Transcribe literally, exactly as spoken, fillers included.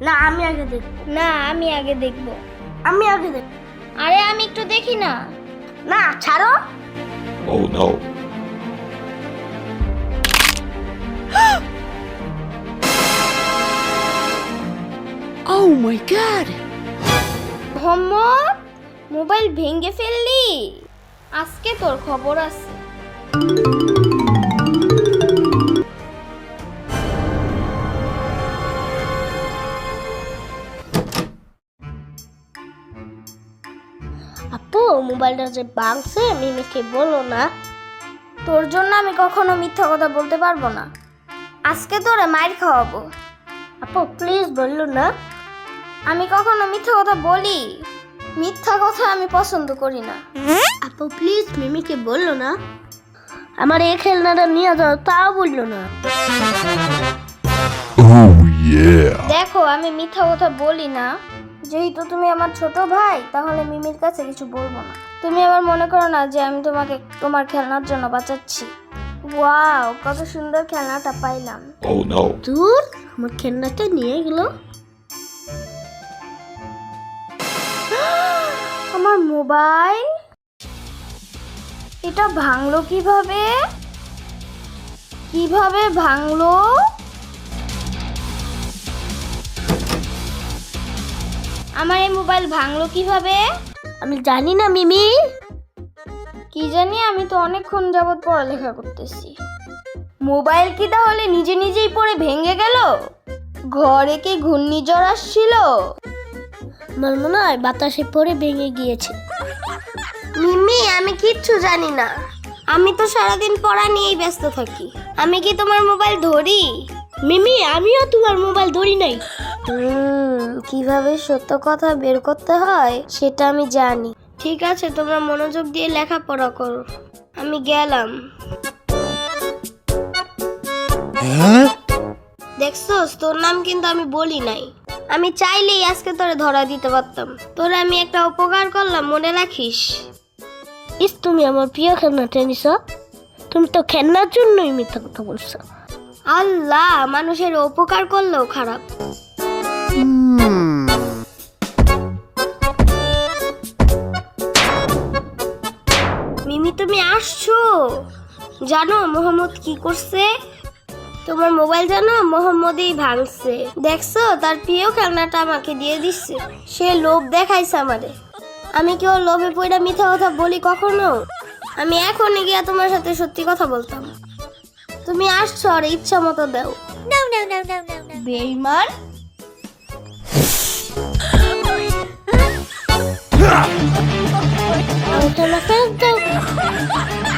না আমি আগে দেখব। না আমি আগে দেখব। আমি আগে দেখব। আরে আমি একটু দেখি না। না ছাড়ো। Oh no. Oh my god. Mohammad, mobile ভেঙে ফেললি? আজকে তোর খবর আছে। আপু মোবাইলটা যে ভাঙছে মিমিকে বলো না। তোর জন্য আমি কখনো মিথ্যা কথা বলতে পারবো না। আজকে তোরে মাইর খাওয়াবো। আপু প্লিজ বললো না। আমি কখনো মিথ্যা কথা বলি? মিথ্যা কথা আমি পছন্দ করি না। আপু প্লিজ মিমিকে বললো না। আমার এই খেলনাটা নিয়ে যাও, তাও বললো না। Oh yeah. দেখো আমি মিথ্যা কথা বলি না। যেহেতু তুমি আমার ছোট ভাই, তাহলে মিমির কাছে কিছু বলবো না। তুমি আবার মনে করো না যে আমি তোমাকে তোমার খেলনার জন্য বাঁচাচ্ছি। ওয়াও, কত সুন্দর খেলনাটা পাইলাম। Oh no. দূর, আমার খেলনাটা নিয়ে গেল। আমার মোবাইল, এটা ভাঙলো কিভাবে? কিভাবে ভাঙলো? আমার এই মোবাইল ভাঙলো কিভাবে? আমি জানি না মিমি। কি জানি, আমি তো অনেকক্ষণ যাবত পড়ালেখা করতেছি। মোবাইল কি তাহলে নিজে নিজেই পড়ে ভেঙে গেল? ঘরে কি ঘূর্ণিঝড় আসছিল? আমার মনে হয় বাতাসে পড়ে ভেঙে গিয়েছে। মিমি, আমি কিচ্ছু জানি না। আমি তো সারাদিন পড়া নিয়েই ব্যস্ত থাকি। আমি কি তোমার মোবাইল ধরি? মিমি আমিও তোমার মোবাইল ধরি নাই। হুম, কিভাবে সত্য কথা বের করতে হয় সেটা আমি জানি। ঠিক আছে, তোমরা মনোযোগ দিয়ে লেখাপড়া করো। আমি গেলাম। দেখছস, তোর নাম কিন্তু আমি বলি নাই। আমি চাইলেই আজকে তোরে ধরা দিতে পারতাম। তোরে আমি একটা উপকার করলাম, মনে রাখিস। ইস, তুমি আমার প্রিয় খেলনাটা নিছ। তুমি তো খেলনার জন্যই মিথ্যা কথা বলছো। আল্লাহ, মানুষের উপকার করলেও খারাপ। মিমি তুমি আসছো? জানো মোহাম্মদ কি করছে? তোমার মোবাইল জানো মোহাম্মদই ভাঙছে। দেখছো, তার প্রিয় খেলনাটা আমাকে দিয়ে দিচ্ছে। সে লোভ দেখাইছে আমারে। আমি কি ওর লোভে পড়ে মিথ্যা কথা বলি কখনো? আমি এখনই গিয়া তোমার সাথে সত্যি কথা বলতাম। তুমি আসছো আর ইচ্ছা মতো দাও। বেঈমান। আমার খেলনা ফেরত দাও।